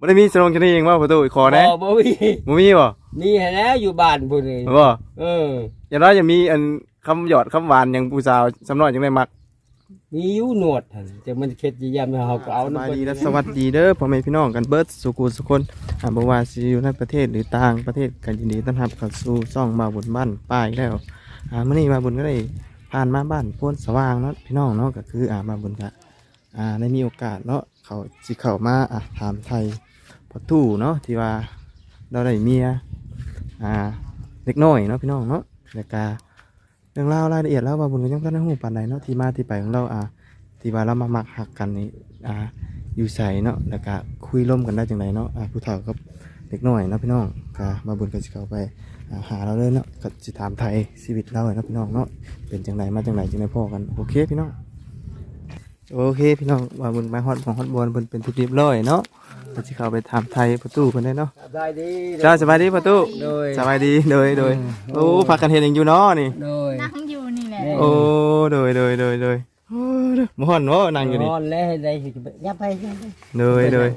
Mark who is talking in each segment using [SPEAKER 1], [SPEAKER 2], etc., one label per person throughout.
[SPEAKER 1] บ่ได้มีสนองชนีเองว่าประตูขอแน่
[SPEAKER 2] บ่มี
[SPEAKER 1] บ่
[SPEAKER 2] มีแแล้วอยู่บ้านพุ่นนี่
[SPEAKER 1] บ่อย่างน้อยจะมีอันคำหยอดคำหวานอย่างผู้สาวสำน้อยจังได้มัก
[SPEAKER 2] มีอยู่หนวดหั่นแต่มันเข็ดยามเฮาก็เอา
[SPEAKER 1] นำดีและสวัสดีเด้อพ่อแม่พี่น้องกันเบิดสุขุสุคนบ่ว่าสิอยู่ในประเทศหรือต่างประเทศกันยินดีต้อนรับเข้าสู่ช่องมาบุญบ้านป้ายแล้วมื้อนี้มาบุญก็ได้ผ่านมาบ้านโพนสว่างเนาะพี่น้องเนาะก็คือมาบุญก็ได้มีโอกาสเนาะเขาสิเข้ามาถามไทยพ่อตู้เนาะที่ว่าเราได้เมียเล็กน้อยเนาะพี่น้องเนาะแล้วก็เรื่องราวรายละเอียดแล้วว่าบุญก็ยังบ่ได้ฮู้ปานใดเนาะที่มาที่ไปของเราที่ว่าเรามามักหักกันนี่อยู่ใส่เนาะแล้วก็คุยร่วมกันได้จังไดเนาะผู้เฒ่ากับเด็กน้อยเนาะพี่น้องก็มาบุญก็สิเข้าไปหาเราเลยเนาะก็สิถามไทยชีวิตเราเนาะพี่น้องเนาะเป็นจังไดมาจังไดจังไดพ่อกันโอเคพี่น้องโอเคพี่น้องว่าบุญมาฮอดของฮอดบอลเพิ่นเป็นทุกเรียบร้อยเนาะก็สิเข้าไปถามไทยประตูเพิ่นได้เนาะ
[SPEAKER 2] สบายดี
[SPEAKER 1] จ้าสบายดีประตูสบายดีโดยโอ้พากันเฮ็ดหยังอยู่เนาะนี่
[SPEAKER 3] นั่งอยู่นี่แหละ
[SPEAKER 1] โอ้โดยบ่ฮ้อนเนาะนั่งอยู่นี่
[SPEAKER 2] ฮ้อนแล้วได้ยับไป
[SPEAKER 1] โดย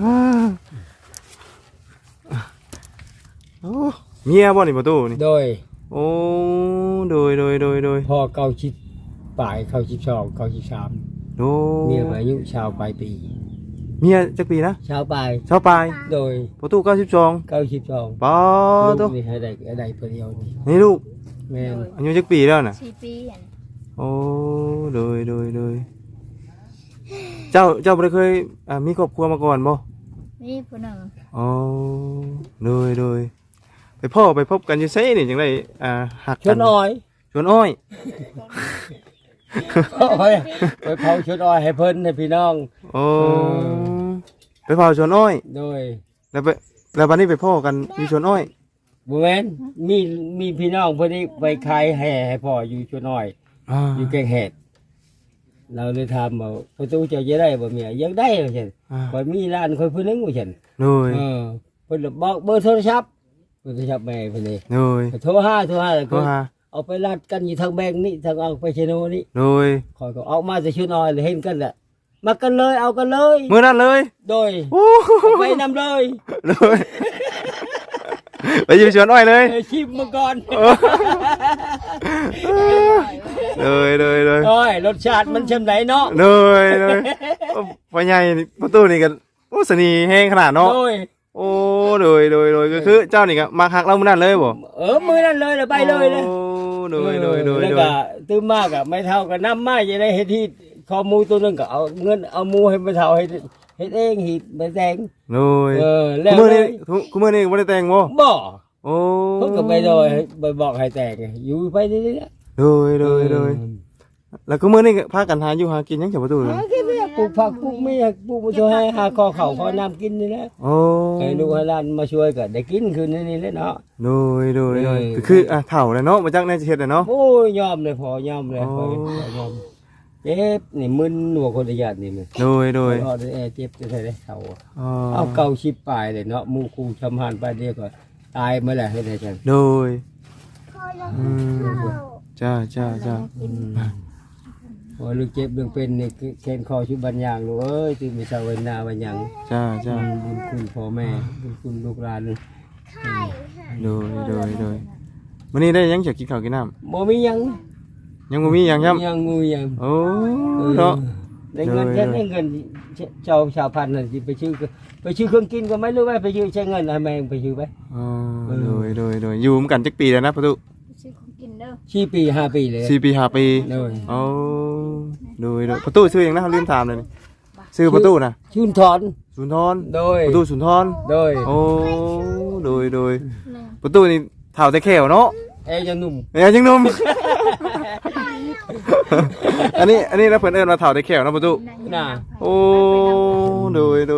[SPEAKER 1] โอ้เมียบ่นี่ประตูนี่
[SPEAKER 2] โดย
[SPEAKER 1] โอ้โดย
[SPEAKER 2] พอเก่าชิดปลายเข้าชิด2เข้าชิด3
[SPEAKER 1] โด
[SPEAKER 2] เมียอายุชาวปลายปี
[SPEAKER 1] เมียจักปีนะ
[SPEAKER 2] ชาวปลาย
[SPEAKER 1] โดยประตู92ป้อ
[SPEAKER 2] ลูกนี่ให้ได้เพิ่นเดียว
[SPEAKER 1] นี่ลูก
[SPEAKER 2] แม่น
[SPEAKER 1] อายุจักปีแล้วน่ะ
[SPEAKER 3] 4 ปี
[SPEAKER 1] โอ้โดยเจ้าบ่ได้เคยมีครอบครัวมาก่อนบ่
[SPEAKER 3] มีผู้หนึ่ง
[SPEAKER 1] อ๋อโดยไปพบกันอยู่ไสนี่จังได๋หักกัน
[SPEAKER 2] ชวนอ้อยไปเผาชวนอ้อยให้เพิ่นให้พี่น้อง
[SPEAKER 1] โอ้ไปเผาชวนอ้อย
[SPEAKER 2] โดย
[SPEAKER 1] แล้วบัดนี้ไปพ่อกันอยู่ชวนอ้อย
[SPEAKER 2] บ่แม่นมีพี่น้องเพิ่นนี่ไปขายแห่ให้พ่ออยู่ชวนอ้อยอยู่แกงเห็ดเราเลยถามว่าประตูจะได้บ่เมียยังได้ว่าซั่นข่อยมีร้านข่อยผู้นึงว่าซั่น
[SPEAKER 1] โดย
[SPEAKER 2] เพิ่นบอกเบอร์โทรศัพท์แม่เพิ่นนี่
[SPEAKER 1] โดย
[SPEAKER 2] โทรหาก็เอาไปรัดกันอยู่ทางแบงนี่ทางเอาไปเชโนนี่
[SPEAKER 1] โดย
[SPEAKER 2] ข่อยก็เอามาจะชื่อน้อยเลยเห็นกันแหละมากันเลยเอากันเลย
[SPEAKER 1] มื้อนั้นเลย
[SPEAKER 2] โดยไปนำเลย
[SPEAKER 1] ไปอยู่ชวนอ้อยเลย
[SPEAKER 2] ชิมมาก่อน
[SPEAKER 1] เลย
[SPEAKER 2] โอ้ยรสชาติมันชำไหนเนาะ
[SPEAKER 1] เลยพ่อใหญ่ประตูนี่ก็โอ้สนีแห้งขนาดเนาะโอ้เลยก็คือเจ้านี่ก็มาหักเรามื้อนั้นเลยบ่
[SPEAKER 2] มื้อนั้นเลยไปเลย
[SPEAKER 1] โอ้โดย
[SPEAKER 2] แล้วก็ตื้มมากอ่ะไม่เท่ากับน้ำมาจะได้เฮ็ดที่คอมูตัวนึงก็เอาเงินเอามูให้ไม่เท่าเฮ็ดเองหีบไปแต่ง
[SPEAKER 1] โดย
[SPEAKER 2] แล้ว
[SPEAKER 1] มื้อนี้บ่ได้แต่งบ่โอ้
[SPEAKER 2] เพิ่นก็ไปโดยไปบอกให้แต่งอยู่ไปนี่แหละ
[SPEAKER 1] โดยแล้วก็มื้อนี้พากันหาอยู่หากินยังจังประตูเลย
[SPEAKER 2] ปลูกผักปลูกเมียปลูกมาช่วยให้หาคอเข่าคอน้ำกินนี่แหละ
[SPEAKER 1] โอ้
[SPEAKER 2] ให้ลูกให้หลานมาช่วยก็ได้กินคืนนี่แหละเนาะ
[SPEAKER 1] โดยคือเฒ่าแล้วเนาะมาจักในสิเฮ็ดเนาะ
[SPEAKER 2] โอ้ยยอมเลยพอยอมเลยพอยอมเจ็บนี่มึนหัวคนญาตินี่มัน
[SPEAKER 1] โดย
[SPEAKER 2] เจ็บจะได้เฒ่าเอาเก่าชิบปลายเลยเนาะหมู่คู่ชำหานไปเดียวก็ตายเมื่อไหร่ให้ได้จัง
[SPEAKER 1] โดยจ้า
[SPEAKER 2] โอ้ยลูกเจ็บเรื่องเป็นนี่แขนคอชุบบัญญังลูกเอ้ยตื่นมีชาวเวนาบัญญัง
[SPEAKER 1] จ้า
[SPEAKER 2] บุญคุณพ่อแม่บุญคุณลูกหลาน
[SPEAKER 1] โดยวันนี้ได้ยังจะกินข้าวกินน้
[SPEAKER 2] ำบ่มียัง
[SPEAKER 1] บ่มียังครับ
[SPEAKER 2] ยังงูยัง
[SPEAKER 1] โอ้เนาะ
[SPEAKER 2] ได้เงินแค่ได้เงินชาวพันธุ์น่ะสิไปชื่อเครื่องกินก็ไม่รู้ว่าไปชื่อใช้เงินอะไรไปชื่อไป
[SPEAKER 1] โดยอยู่เหมือนกันจักปีแล้วนะประตู
[SPEAKER 2] 4 ปี 5 ปีเลย
[SPEAKER 1] 4 ปี 5 ปีโอ้โดยประตูชื่ออย่างนั้นลืมถามเลยชื่อประตูนะ
[SPEAKER 2] สุนทร
[SPEAKER 1] โดยประตูสุนทร
[SPEAKER 2] โดย
[SPEAKER 1] โอ้โดยประตูนี่เฒ่าแต่แขวเนาะ
[SPEAKER 2] ยังหนุ่ม
[SPEAKER 1] อันนี้นะเพิ่นเอิ้นว่าเฒ่าแต่แขวนะประตู
[SPEAKER 2] น่ะ
[SPEAKER 1] โอ้โดย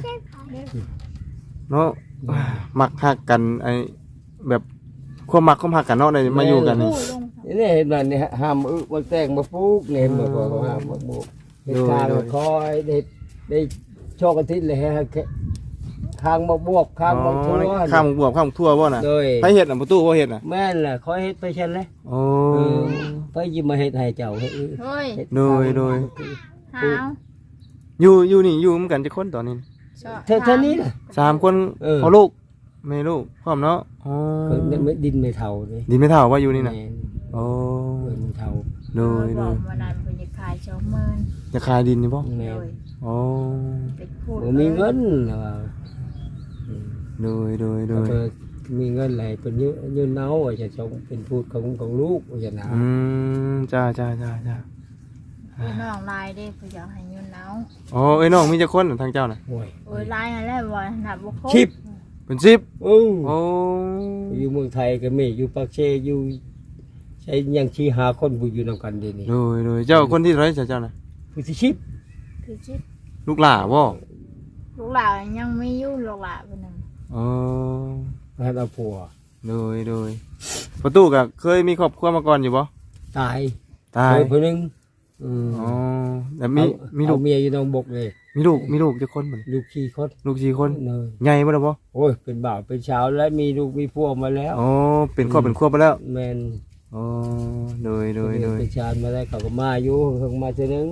[SPEAKER 1] เนาะมักฮักกันไอ้แบบความมักความฮักกันเนาะได้มาอยู่กัน
[SPEAKER 2] นี่เห็นมันนี่ห้ามบ่แต่งบ่ปลูกนี่บ่ห้ามบ่ปลูกเฮ็ดทางคอยได้โชคอาทิตย์เลยฮะข้างบ่บวกข้างบ่ทั่ว
[SPEAKER 1] ข้างบวกข้างทั่วบ่น่ะไปเฮ็ดน่ะประตูบ่เฮ็ดน่ะ
[SPEAKER 2] แม่นล่ะคอยเฮ็ดไปซั่นแหละ
[SPEAKER 1] โอ้
[SPEAKER 2] ไปยิมาเฮ็ดให้เจ้าเฮ็ด
[SPEAKER 1] โดยอยู่นี่อยู่เหมือนกันจักคนตอนนี้
[SPEAKER 2] เท่านี้น่ะ
[SPEAKER 1] สามคน
[SPEAKER 2] เออ
[SPEAKER 1] พ่อลูกแม่ลูกพร้อมเนาะอ๋อ
[SPEAKER 2] เพิ่นไม่ดินไม่เท่าเลย
[SPEAKER 1] ดีไม่เท่าว่าอยู่นี่น่ะ
[SPEAKER 2] แม่
[SPEAKER 1] โอ้
[SPEAKER 2] เพิ่นไม่เท่า
[SPEAKER 1] โดย
[SPEAKER 3] บ
[SPEAKER 1] โด
[SPEAKER 3] อก
[SPEAKER 1] ย
[SPEAKER 3] วันนั้นเพิ่นจะขาย20,000
[SPEAKER 1] จะขายดินนี่บ่
[SPEAKER 2] แม่
[SPEAKER 3] โดย
[SPEAKER 1] โอ้
[SPEAKER 3] เป็นพูด
[SPEAKER 2] บ่มีเงินว่า
[SPEAKER 1] โดยโดยโดย
[SPEAKER 2] เพิ่นมีเงินไหลเป็นยืนเอาว่าจะส่งเป็นพูดของลูกว่าจะนะ
[SPEAKER 1] จ้า
[SPEAKER 3] พี่น้องลายเด้เพิ่นอยากให้ยืนเอา
[SPEAKER 1] อ๋อเอ้ยน้องมีจักคนทางเจ้าน่ะ
[SPEAKER 2] โอ้ย
[SPEAKER 3] โอ้ยลายนั่นแหละบ่นับบ่ครบ
[SPEAKER 2] ชิป
[SPEAKER 1] เป็น10
[SPEAKER 2] โอ้
[SPEAKER 1] โอ้
[SPEAKER 2] อยู่เมืองไทยก็มีอยู่ปากเชอยู่ใช้ยังชี้หาคนผู้อยู่นำกันเดี๋ยวนี้
[SPEAKER 1] โดยเจ้าคนที่เท่าไหร่เจ้าน่ะ
[SPEAKER 2] ผู้ที่ชิป
[SPEAKER 3] คือชิป
[SPEAKER 1] ลูกหล่าบ่
[SPEAKER 3] ลูกหลานยังมีอยู่ลูกหลานเพิ่นนึง
[SPEAKER 1] อ๋อ
[SPEAKER 2] ให้เอาผัว
[SPEAKER 1] โดยประตูก็เคยมีครอบครัวมาก่อนอยู่บ่
[SPEAKER 2] ตาย
[SPEAKER 1] ตาย
[SPEAKER 2] เคยผู้หนึง
[SPEAKER 1] อ๋อแต่มีลูก
[SPEAKER 2] เอาเมียอยู่นองบกเลย
[SPEAKER 1] มีลูกจักคนเหมือน
[SPEAKER 2] ลูกขี้คด
[SPEAKER 1] ลูก4คน
[SPEAKER 2] เนย
[SPEAKER 1] ใหญ่บ่ล่ะบ่
[SPEAKER 2] โอ้ยเป็นบ่าวเป็นสาวแล้วมีลูกมีพวกมาแล้ว
[SPEAKER 1] อ๋อเป็นครอบเป็นครัวไปแล้ว
[SPEAKER 2] แมน
[SPEAKER 1] อ๋อโดย
[SPEAKER 2] เป็นชานมาแล้วเขาก็มาอยู่เขาก็มาเจอนึง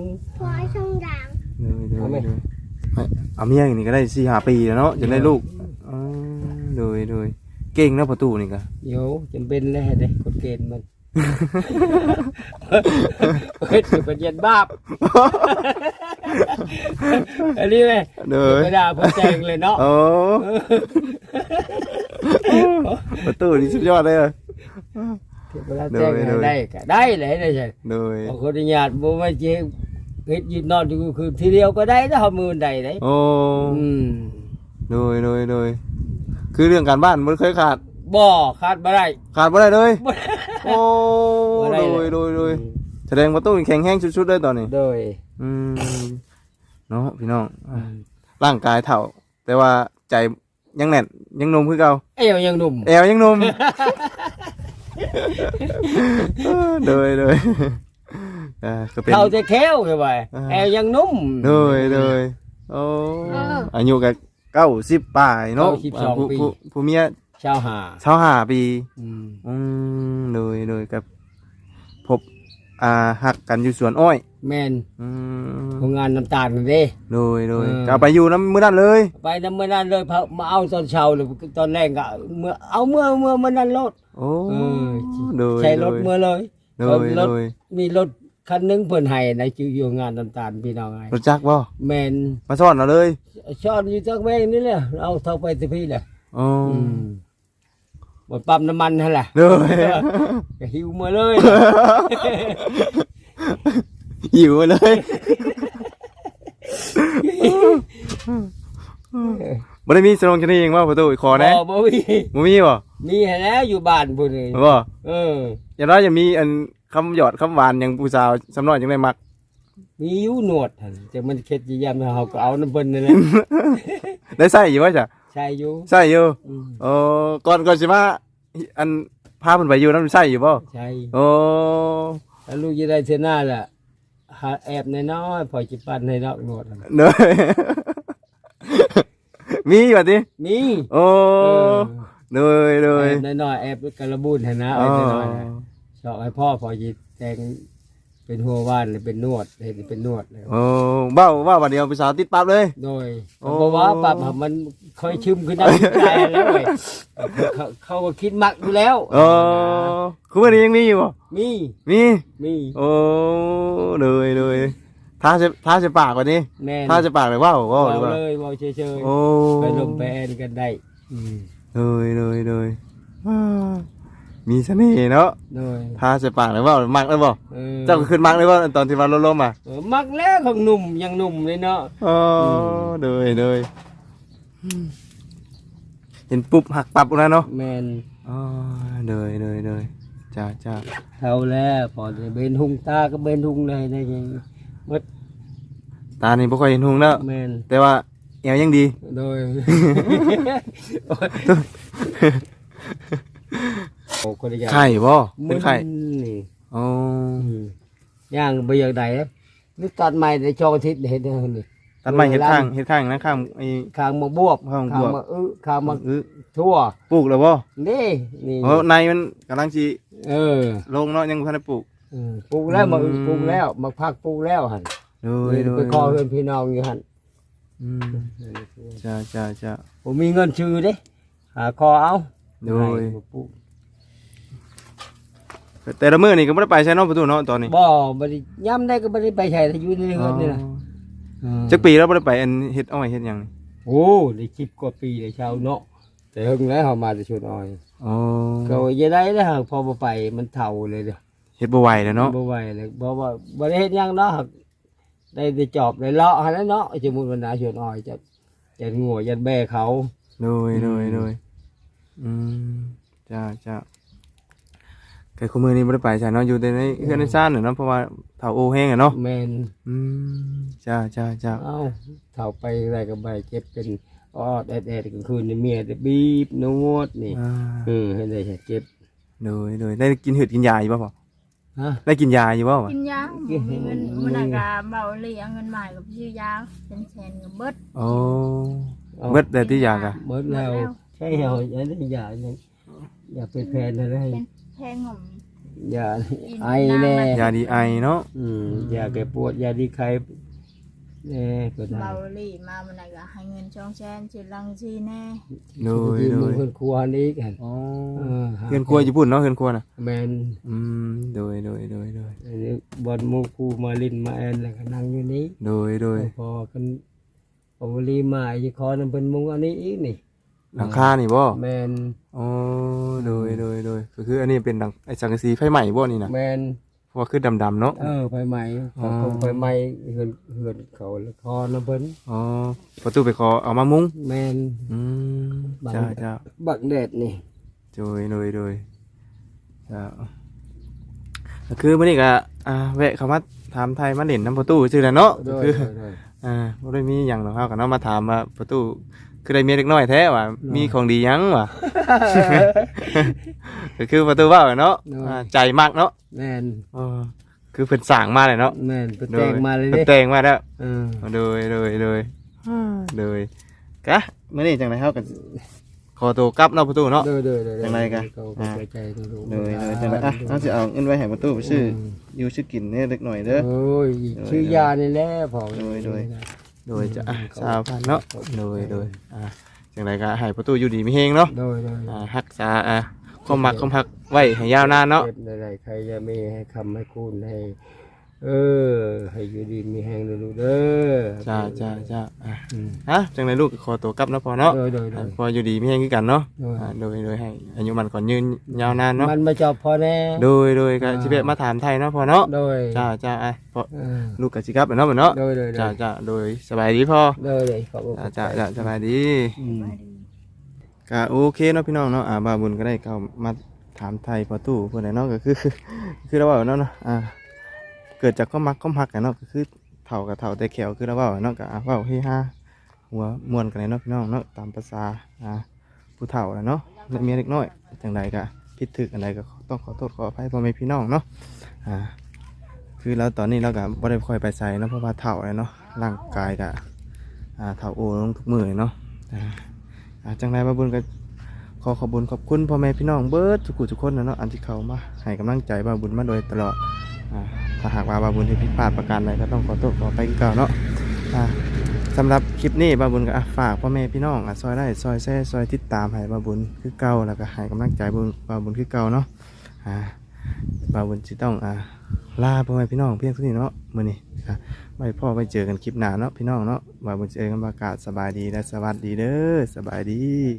[SPEAKER 2] เอาไหม
[SPEAKER 1] ไม่เอาเมียอย่างนี้ก็ได้4-5 ปีแล้วเนาะจะได้ลูกอ๋อโดยเก่งเนาะประตูนี่ก็
[SPEAKER 2] เดี๋ยวจำเป็นแล้วเด็กกฎเกณฑ์มันเฮ็ดเป็นเย็นบาปอันนี้ไหม
[SPEAKER 1] โดย
[SPEAKER 2] ไม่ได้พอแจงเลยเนาะ
[SPEAKER 1] โอ้ประตูนี่สุดยอดเลยอะ
[SPEAKER 2] เวลาแจ้งให้ได้ก็ได้เลยนะใช่
[SPEAKER 1] โดย
[SPEAKER 2] บางคนญาติบ่มาเจ๊เฮ็ดยืนนอนอยู่คือทีเดียวก็ได้ถ้าเอามือใดได้
[SPEAKER 1] โอ้
[SPEAKER 2] อืม
[SPEAKER 1] โดยคือเรื่องการบ้านมันเคยขาด
[SPEAKER 2] บ่ขาดบ่ได้
[SPEAKER 1] ขาดบ่ได้เลย
[SPEAKER 2] บ่
[SPEAKER 1] โอ้
[SPEAKER 2] บ่ได้
[SPEAKER 1] โดยแสดงประตูนี่แข็งแรงสุดๆเลยตอนนี้
[SPEAKER 2] โดย
[SPEAKER 1] อืมเนาะพี่น้องอ่ะร่างกายเถ่า แต่ว่าใจยังแน่นยังหนุ่มคือเก่า
[SPEAKER 2] เอวยังหนุ่ม
[SPEAKER 1] แอวยังหนุ่ม โดยก็เป็น
[SPEAKER 2] เท่าจะแค้วใช่ไหม
[SPEAKER 1] อ่า
[SPEAKER 2] แอวยังนุ่ม
[SPEAKER 1] โดยโอ้อายุกับ90ป่ายเนาะ
[SPEAKER 2] 92ปี
[SPEAKER 1] ผู้เมีย
[SPEAKER 2] ชาวหา
[SPEAKER 1] 25 ปี
[SPEAKER 2] อืม
[SPEAKER 1] โดยกับพบหักกันอยู่สวนอ้อย
[SPEAKER 2] แม่น
[SPEAKER 1] อืม
[SPEAKER 2] โรงงานน้ำตาลนั่นเด้
[SPEAKER 1] โดย
[SPEAKER 2] เออ
[SPEAKER 1] ก็เอาไปอยู่น้ำมื้อนั้นเลย
[SPEAKER 2] ไปนำมื้อนั้นเลยมาเอาตอนเช้าหรือตอนแรกก็เมื่อเอาเมื่อมื้อนั้นรถ
[SPEAKER 1] โอ้
[SPEAKER 2] เออ
[SPEAKER 1] โดย
[SPEAKER 2] ใช้รถเมื่อเลย
[SPEAKER 1] โดย
[SPEAKER 2] รถ
[SPEAKER 1] โดย
[SPEAKER 2] มีรถคันหนึงเพิ่นให้ในอยู่งานน้ำตาลพี่น้องไง
[SPEAKER 1] รู้จักบ่
[SPEAKER 2] แม่น
[SPEAKER 1] มาสอนเราเลย
[SPEAKER 2] ช้อนอยู่จักแม่งนี่แหละเอาเท่าไปสิพี่แหละ
[SPEAKER 1] อ๋อ
[SPEAKER 2] หมดปั๊มน้ำมันนั่นแหละ
[SPEAKER 1] โดย
[SPEAKER 2] ก็หิวมาเลย
[SPEAKER 1] หิวเลยบ่ได้มีสนองชนีเองว่าประตูขอนะ
[SPEAKER 2] บ่มี
[SPEAKER 1] บ่มีบ่
[SPEAKER 2] มีให้แล้วอยู่บ้านพุ่นนี่
[SPEAKER 1] บ่
[SPEAKER 2] เออ
[SPEAKER 1] อย่างน้อยจะมีอันคำหยอดคำหวานอย่างผู้สาวสำน้อยจังได้มัก
[SPEAKER 2] มีอยู่หนวดหั่นแต่มันเค็ดสิยามเฮาก็เอาน้ำเพิ่นนั่นแหละ
[SPEAKER 1] ได้ใส่อยู่ว่าจ้ะ
[SPEAKER 2] ใช่อยู่
[SPEAKER 1] ใส่อยู่
[SPEAKER 2] อืม
[SPEAKER 1] โอ้ก่อนสิมาอันพาเพิ่นไปอยู่นำใส่อยู่บ่
[SPEAKER 2] ใช่
[SPEAKER 1] โอ้
[SPEAKER 2] แล้วลูกจะได้เทอหน้าล่ะหาแอบน้อยๆพอจิปั้นให้นอกหนวดหั่น
[SPEAKER 1] เด้อ มีว่าติ
[SPEAKER 2] มี
[SPEAKER 1] โอ้
[SPEAKER 2] เออ
[SPEAKER 1] โดย
[SPEAKER 2] แอบน้อยๆแอบกระบุนให้นะเอาไว้น้อยๆนะชอบให้พ่อพอจิแต่งเป็นหัวว่านหรือเป็นนวดเห็นเป็นนวดเลย
[SPEAKER 1] โอ้เว้าบัดเดียวผู้สาวติดปั๊บเลย
[SPEAKER 2] โดย
[SPEAKER 1] โอ้
[SPEAKER 2] เพราะว่าปรับมันค่อยชึมขึ้นได้ใจแล้วเว้ยเขาก็คิดมักอยู่แล้ว
[SPEAKER 1] โอ้คือวันนี้ยังมีอยู่บ่
[SPEAKER 2] มี
[SPEAKER 1] มี
[SPEAKER 2] มี
[SPEAKER 1] โอ้เลยท้าจะปากกว่านี้
[SPEAKER 2] แม่น
[SPEAKER 1] ท้าจะปากเลยว้าว
[SPEAKER 2] เบา
[SPEAKER 1] หรือว่า
[SPEAKER 2] เลยเบาเฉย
[SPEAKER 1] โอ้
[SPEAKER 2] ๆไปลมไปแอนกันได้อืม
[SPEAKER 1] เลยอ่ามีเสน่ห์เนาะ
[SPEAKER 2] โดย
[SPEAKER 1] ท้าจะปากเลยว้าวมักเลยบ่
[SPEAKER 2] เออ
[SPEAKER 1] เจ้าก็ขึ้นมักเลยบ่ตอนที่ว่าลมๆอ่ะ
[SPEAKER 2] มักแล้วของหนุ่มยังหนุ่มเลยเนาะ
[SPEAKER 1] อ๋อเลยเห็นปุ๊บหักปับแล้วเนาะ
[SPEAKER 2] แมน
[SPEAKER 1] อ๋อเลยจ้า
[SPEAKER 2] เท่าแล้วพอจะเบนหุงตาก็เบนหุงเลยได้ยังมด
[SPEAKER 1] ตานี่บ่ค่อยเห็นหุงแล้ว
[SPEAKER 2] แมน
[SPEAKER 1] แต่ว่าแอวยังดี
[SPEAKER 2] โดยโอ้คนละอย่าง
[SPEAKER 1] ไข่บ่เป็นไข่
[SPEAKER 2] นี่
[SPEAKER 1] อ๋
[SPEAKER 2] ย่างไปอย่างใดนะนี่ตัดใหม่ในช่องอาทิตย์เห็นเด้อนี่
[SPEAKER 1] ตัดไม้เฮ็ดข้างนะข้างไอ้
[SPEAKER 2] ข้างมาบวบ
[SPEAKER 1] ข้างบวบ
[SPEAKER 2] มาข้างมา
[SPEAKER 1] อื้อ
[SPEAKER 2] ทั่ว
[SPEAKER 1] ปลูกแล้วบ่
[SPEAKER 2] นี่นี่
[SPEAKER 1] โอ้ในมันกำลังสิ
[SPEAKER 2] เออ
[SPEAKER 1] ลงเนาะยังบ่ทันได้ปลูก
[SPEAKER 2] ปลูกแล้วมาปลูกแล้วมาพักปลูกแล้วหัน
[SPEAKER 1] โด
[SPEAKER 2] ไปขอเพื่อนพี่น้องอยู่หัน
[SPEAKER 1] อืมจ้าจ้าจ้า
[SPEAKER 2] ผมมีเงินชื่อเด้หาคอเอา
[SPEAKER 1] โดย
[SPEAKER 2] ให้ปู่
[SPEAKER 1] แต่ละมื้อนี่ก็บ่ได้ไปใช้เนาะประตูเนาะตอนนี้
[SPEAKER 2] บ่บ่ได้ย่ำได้ก็บ่ได้ไปใช้อยู่ในเงินนี่ล่ะ
[SPEAKER 1] จักปีแล้วบ่ได้ไปอันเฮ็ดอ้อยเฮ็ดหยังนี่
[SPEAKER 2] โอ้ได้10กว่าปีเลยชาวเนาะแต่เฮิงแล้วเฮามาแต่ชวนอ้อย
[SPEAKER 1] อ๋อ
[SPEAKER 2] ก็อย่าได้แล้วหากพอบ่ไปมันเฒ่าเลยเด้อ
[SPEAKER 1] เฮ็ดบ่ไหวแล้วเนาะ
[SPEAKER 2] บ่ไหวเลยบ่ว่าบ่ได้เฮ็ดหยังเนาะหากได้แต่จอบได้เลาะหั่นแหละเนาะสมมุติว่านาชวนอ้อยจะงัวยันแบ่เขา
[SPEAKER 1] โดยอืมจ้าจ้าแต่คุมื้อนี้บ่ได้ไปใช่เนาะอยู่แต่ในเฮือนในซ่านน่ะเนาะเพราะว่าเฒ่าโอแห้งอ่ะเนาะ
[SPEAKER 2] แม่น
[SPEAKER 1] อืมจ้าจ้าจ้า
[SPEAKER 2] เอ้าเฒ่าไปอะไรก็ไปเจ็บเป็นออดแอดๆกลางคืนนี่เมียจะบีบนวดนี่
[SPEAKER 1] อ่า
[SPEAKER 2] ให้ได้เจ็บ
[SPEAKER 1] โดยได้กินเห็ดกินยาอยู่บ่พ่อ
[SPEAKER 2] ฮะ
[SPEAKER 1] ได้กินยาอยู่บ่วะ
[SPEAKER 3] กินยาบ่มีเงินมันน่ะก็เบาเลยเอาเงินมากับซื้อยาเป็นแสนก็เบิด
[SPEAKER 1] โอ้เบิดได้ที่ยากะ
[SPEAKER 2] หมดแล้วใช่เหรออย่าได้อย่าเป็นแฟนอะไร
[SPEAKER 3] เป็นแพงหงม
[SPEAKER 2] อย่าไอแน่
[SPEAKER 1] ยาดีไอเนาะ
[SPEAKER 2] อย่าแก้ปวดอย่าดีใครแน่ก็ได้
[SPEAKER 3] เบาเลยมามันน่ะก็ให้เงินช่องแสนสิลังสิแน่
[SPEAKER 1] โดย
[SPEAKER 2] มือคนครัวนี่กัน
[SPEAKER 1] อ๋อเฮือนครัวญี่ปุ่นเนาะเฮือนครัวน่ะ
[SPEAKER 2] แมน
[SPEAKER 1] โดย
[SPEAKER 2] อันนี้บอลมูคูมาลินมาแอนแล้วก็นั่งอยู่นี้
[SPEAKER 1] โดย
[SPEAKER 2] พอกันพอวลีมาอีกคอนั่นเป็นมุงอันนี้อีกนี่
[SPEAKER 1] หลังคานี่บ่
[SPEAKER 2] แมน
[SPEAKER 1] อ๋อโดยก็คืออันนี้เป็นดังไอ้สังกะสีไฟใหม่บ่นี่น่ะ
[SPEAKER 2] แมน
[SPEAKER 1] เพราะว่าคือดำๆเนาะ
[SPEAKER 2] ไฟไหม้เขาคงไฟไหม้เฮือนเขาแล้วคอน้ำเพิ่น
[SPEAKER 1] อ๋อประตูไปขอเอามามุง
[SPEAKER 2] แมน
[SPEAKER 1] อืมจ้า
[SPEAKER 2] บักแดดนี่
[SPEAKER 1] โดยจ้าก็คือมื้อนี้ก็แวะเข้ามาถามไทยมาเล่นน้ำประตูซื่อแหละเนาะ
[SPEAKER 2] โด
[SPEAKER 1] ก็
[SPEAKER 2] ย
[SPEAKER 1] คือ
[SPEAKER 2] โดย
[SPEAKER 1] บ่ได้มีหยังหรอกเฮาก็เนาะมาถามว่าประตูคือได้เมียเล็กน้อยแท้ว่ามีของดีหยังวะ ก็คือประตูเว้าเนาะใจมากเนาะ
[SPEAKER 2] แมน
[SPEAKER 1] คือเพิ่นสร้างมาเลยเนาะ
[SPEAKER 2] แมนเป็นแต่งมาเลย
[SPEAKER 1] เพิ่
[SPEAKER 2] เด้
[SPEAKER 1] นแต่งมาแล้ว
[SPEAKER 2] เออ
[SPEAKER 1] โดยกะมื้อนี้จังได๋เฮาก็ขอตัวกลับเนาะประตูเนาะ
[SPEAKER 2] โดย
[SPEAKER 1] จังไรกัน
[SPEAKER 2] เขาใจใจดู
[SPEAKER 1] โดยจังได๋เฮาสิเอาเงินไว้ให้ประตูไปซื้ออยู่ซื้อกินเนี่ยเล็กน้อยเด้อ
[SPEAKER 2] โอ้ยชื่อยานี่แหละพอ
[SPEAKER 1] โดยจะ20,000เนาะโดยจังไดก็ให้ประตูอยู่ดีมีเฮงเนาะ
[SPEAKER 2] โดย
[SPEAKER 1] รักษาความมักความฮักไว้ให้ยาวนานเนาะ
[SPEAKER 2] เจ็บใดๆใครจะไม่ให้คำให้คุณให้ ให้อยู่ดีมีแหงดูเด้อ
[SPEAKER 1] จ้าจังไดลูกขอตัวกลับเนาะพอเนาะ
[SPEAKER 2] โดย
[SPEAKER 1] พออยู่ดีมีเฮงคือกันเนาะ
[SPEAKER 2] โดย
[SPEAKER 1] โดยให้อายุมันก่อนยืนยาวนานเนาะ
[SPEAKER 2] มันมาจอบพอแน่
[SPEAKER 1] โดยก็สิเวะมาถามไทยเนาะพอเนาะ
[SPEAKER 2] โดย
[SPEAKER 1] จ้าพอลูกก็สิกลับเนาะเนาะ
[SPEAKER 2] โดย
[SPEAKER 1] จ้าโดยสบายดีพ่อ
[SPEAKER 2] โดยขอบคุณ
[SPEAKER 1] จ้าสบายดี
[SPEAKER 3] มาดี
[SPEAKER 1] ก็โอเคเนาะพี่น้องเนาะบาบุญก็ได้เข้ามาถามไทยพอตู้เพื่อนเนาะก็คือเราว่าเนาะเกิดจากความมักความหักกันเนาะก็คือเฒ่ากับเฒ่าแต่แขวคือเราว่าเนาะก็เว้าเฮฮาหัวม่วนกันเลยเนาะพี่น้องเนาะตามภาษาผู้เฒ่าแหละเนาะและเมียเล็กน้อยจังใดก็ผิดถึกอันใดก็ต้องขอโทษขออภัยพ่อแม่พี่น้องเนาะคือเราตอนนี้เราก็บ่ได้ค่อยไปใส่เนาะเพราะว่าเฒ่าเลยเนาะร่างกายก็เฒ่าโอลงทุกมื้อเลยเนาะจังใดบาบุญก็ขอขอบคุญขอบคุณพ่อแม่พี่น้องเบิดทุกคนนะเนาะอันที่เขามาให้กำลังใจบาบุญมาโดยตลอดถ้าหากว่าบาบุญที่ผิดพลาดประการใดก็ต้องขอโทษขออภัยคือเก่าเนาะสำหรับคลิปนี้บาบุญก็ฝากพ่อแม่พี่น้องซอยได้ซอยแซ่ซอยติดตามให้บาบุญคือเก่าแล้วก็ให้กำลังใจบาบุญคือเก่าเนาะบาบุญจะต้องลาพ่อแม่พี่น้องเพียงเท่านี้เนาะมื้อนี้ไว้พ่อไว้เจอกันคลิปหน้าเนาะพี่น้องเนาะบาบุญเจอกันประกาศสบายดีและสวัสดีเด้อสบายดี